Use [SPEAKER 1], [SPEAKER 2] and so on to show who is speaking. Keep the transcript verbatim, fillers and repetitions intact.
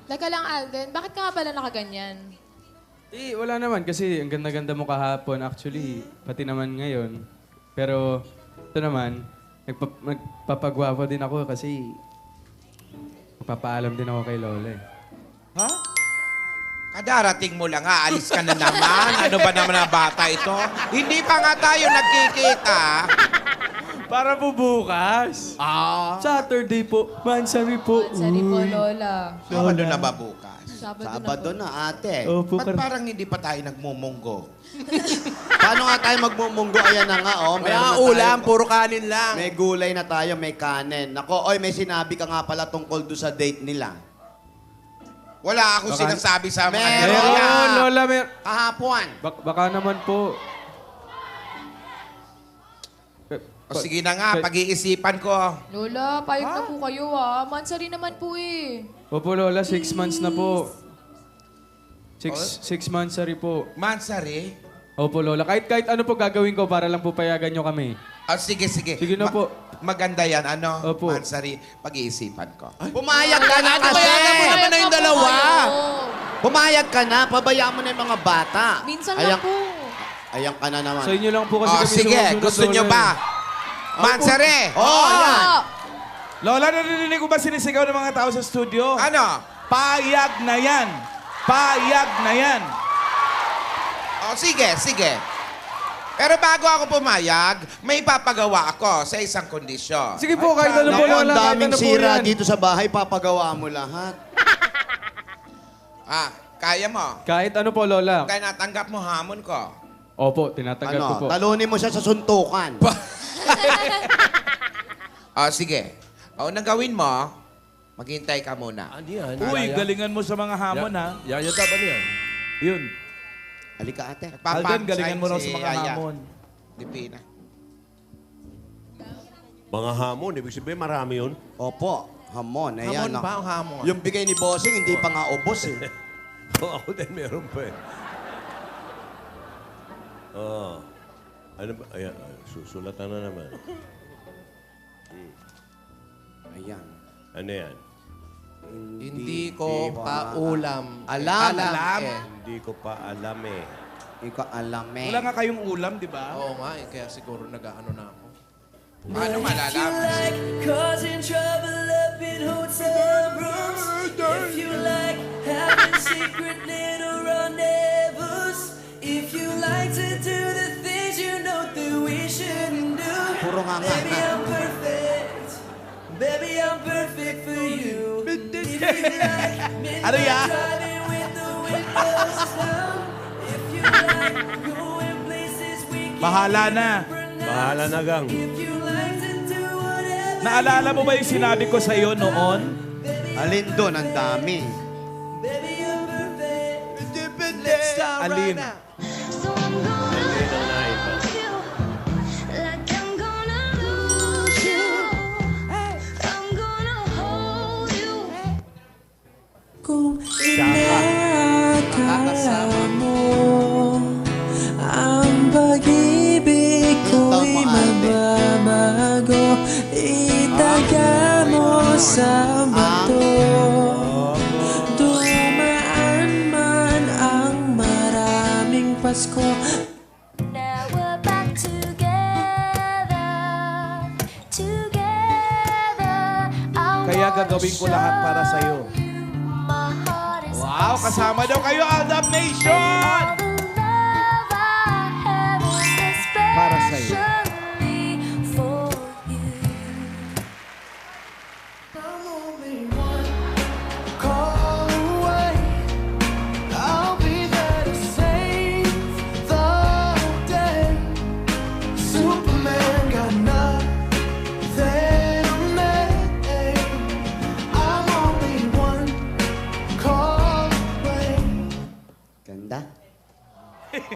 [SPEAKER 1] Teka lang, Alden. Bakit ka nga pala nakaganyan?
[SPEAKER 2] Eh, wala naman kasi ang ganda-ganda mo kahapon. Actually, pati naman ngayon. Pero ito naman, nagpa magpapagwapo din ako kasi magpapaalam din ako kay Lola eh.
[SPEAKER 3] Ha? Kadarating mo lang, aalis ka na naman. Ano ba naman na bata ito? Hindi pa nga tayo nagkikita.
[SPEAKER 2] Para po bukas.
[SPEAKER 3] Ah.
[SPEAKER 2] Saturday po. Mansari po.
[SPEAKER 1] Sorry po, Lola.
[SPEAKER 3] Sabado na ba bukas?
[SPEAKER 1] Sabado,
[SPEAKER 4] Sabado
[SPEAKER 1] na po.
[SPEAKER 4] na, ate.
[SPEAKER 2] Opo,
[SPEAKER 3] Ba't
[SPEAKER 2] kar-
[SPEAKER 3] parang hindi pa tayo nagmumunggo?
[SPEAKER 4] Paano nga tayo magmumunggo? Ayan na nga, oh. Meron
[SPEAKER 5] Wala
[SPEAKER 4] na
[SPEAKER 5] ulam,
[SPEAKER 4] tayo-
[SPEAKER 5] puro kanin lang.
[SPEAKER 4] May gulay na tayo, may kanin. Nako, oy, may sinabi ka nga pala tungkol doon sa date nila.
[SPEAKER 3] Wala akong
[SPEAKER 2] Baka-
[SPEAKER 3] sinasabi sa mga
[SPEAKER 4] Meron.
[SPEAKER 3] ganyan.
[SPEAKER 2] Meron, Lola. Mer
[SPEAKER 4] Kahapon.
[SPEAKER 2] Bak- baka naman po.
[SPEAKER 3] O sige na nga, pag-iisipan ko.
[SPEAKER 1] Lola, payag na po kayo ah. Mansari naman po eh.
[SPEAKER 2] Opo, Lola. Six months na po. Six, six months, sorry po.
[SPEAKER 3] Mansari?
[SPEAKER 2] Opo, Lola. Kahit kahit ano po gagawin ko para lang po payagan nyo kami.
[SPEAKER 3] O sige, sige.
[SPEAKER 2] Sige na po.
[SPEAKER 3] Maganda yan, ano?
[SPEAKER 2] Opo.
[SPEAKER 3] Mansari, pag-iisipan ko.
[SPEAKER 4] Pumayag ka na kasi.
[SPEAKER 5] Payagan mo naman na yung dalawa.
[SPEAKER 4] Pumayag ka na, pabayaan mo na yung mga bata.
[SPEAKER 1] Minsan
[SPEAKER 4] Ayan,
[SPEAKER 1] lang po.
[SPEAKER 4] ayan ka na naman.
[SPEAKER 2] Sa inyo lang po kasi
[SPEAKER 3] O
[SPEAKER 2] kami
[SPEAKER 3] sige,
[SPEAKER 2] sumusunod,
[SPEAKER 3] gusto nyo
[SPEAKER 2] Lola.
[SPEAKER 3] ba? Mansari!
[SPEAKER 4] Oh, ayan.
[SPEAKER 6] Lola, narinig ko ba sinisigaw ng mga tao sa studio?
[SPEAKER 3] Ano?
[SPEAKER 6] Payag na yan! Payag na yan!
[SPEAKER 3] O sige, sige. Pero bago ako pumayag, may papagawa ako sa isang kondisyon.
[SPEAKER 2] Sige po, kahit ano po,
[SPEAKER 4] Naku,
[SPEAKER 2] Lola.
[SPEAKER 4] ang
[SPEAKER 2] Kahit
[SPEAKER 4] daming
[SPEAKER 2] ano po
[SPEAKER 4] sira
[SPEAKER 2] yan.
[SPEAKER 4] dito sa bahay, papagawa mo lahat.
[SPEAKER 3] Ah, kaya mo?
[SPEAKER 2] Kahit ano po, Lola.
[SPEAKER 3] Kaya natanggap mo hamon ko.
[SPEAKER 2] Opo, tinatanggap ko
[SPEAKER 4] Ano,
[SPEAKER 2] po.
[SPEAKER 4] talunin mo siya sa suntukan.
[SPEAKER 3] O sige. O, nang gawin mo, maghintay ka muna.
[SPEAKER 5] Ano yan?
[SPEAKER 6] Uy, galingan mo sa mga hamon, ha?
[SPEAKER 5] Yayata ba niyan?
[SPEAKER 6] Yun.
[SPEAKER 4] Halika, ate.
[SPEAKER 6] Alden, galingan mo raw sa
[SPEAKER 3] si
[SPEAKER 6] mga
[SPEAKER 3] Aya.
[SPEAKER 6] hamon.
[SPEAKER 3] Dipina.
[SPEAKER 5] Mga hamon, ibig sabihin marami yun.
[SPEAKER 4] Opo, hamon. Ayan,
[SPEAKER 3] Hamon
[SPEAKER 4] ah.
[SPEAKER 3] ba o hamon?
[SPEAKER 4] Yung bigay ni Bossing, hindi pa nga ubos eh.
[SPEAKER 5] Ako din meron pa eh. Oh. Ano ba? Ayan, ah, susulatan na naman.
[SPEAKER 4] Ayan.
[SPEAKER 5] Ano yan?
[SPEAKER 7] Hindi ko pa ulam.
[SPEAKER 4] Alam.
[SPEAKER 7] Alam.
[SPEAKER 5] Eh. Hindi ko pa alam eh.
[SPEAKER 4] Hindi ko alam eh.
[SPEAKER 6] Wala nga kayong ulam, di ba?
[SPEAKER 7] Oo nga, eh, kaya siguro nag-ano na ako.
[SPEAKER 3] Paano malalaman?
[SPEAKER 8] Causing trouble up in hotel rooms. If you like having secret little rendezvous. If you like to do the things you know that we shouldn't do.
[SPEAKER 4] Puro nga nga.
[SPEAKER 8] Baby, I'm perfect. Baby, I'm perfect for you. If you like
[SPEAKER 6] Ano yan?
[SPEAKER 8] midnight driving with the windows down. If you like going places we can't
[SPEAKER 6] Bahala na.
[SPEAKER 5] Bahala na gang.
[SPEAKER 8] If you like to do whatever.
[SPEAKER 6] Naalala mo ba yung sinabi ko sa iyo noon?
[SPEAKER 4] Alin doon, ang dami.
[SPEAKER 8] Baby, you're perfect.
[SPEAKER 7] Let's start
[SPEAKER 6] Alin?
[SPEAKER 8] uh, right now.
[SPEAKER 9] So I'm gonna
[SPEAKER 5] Alin ang naiba?
[SPEAKER 9] you like I'm gonna lose you. I'm gonna hold you.
[SPEAKER 8] Kung inakala mo ang pag-ibig ko'y
[SPEAKER 4] Tama, ate.
[SPEAKER 8] mababago, itaga mo sa bato. Dumaan man ang maraming Pasko.
[SPEAKER 9] Now we're back together, together. I
[SPEAKER 6] Kaya
[SPEAKER 9] wanna
[SPEAKER 6] gagawin ko lahat para
[SPEAKER 9] show
[SPEAKER 6] sa'yo.
[SPEAKER 9] you my heart is
[SPEAKER 6] Wow, kasama daw kayo, Aldab Nation!
[SPEAKER 9] all the love I have is this
[SPEAKER 6] Para sa'yo.
[SPEAKER 9] special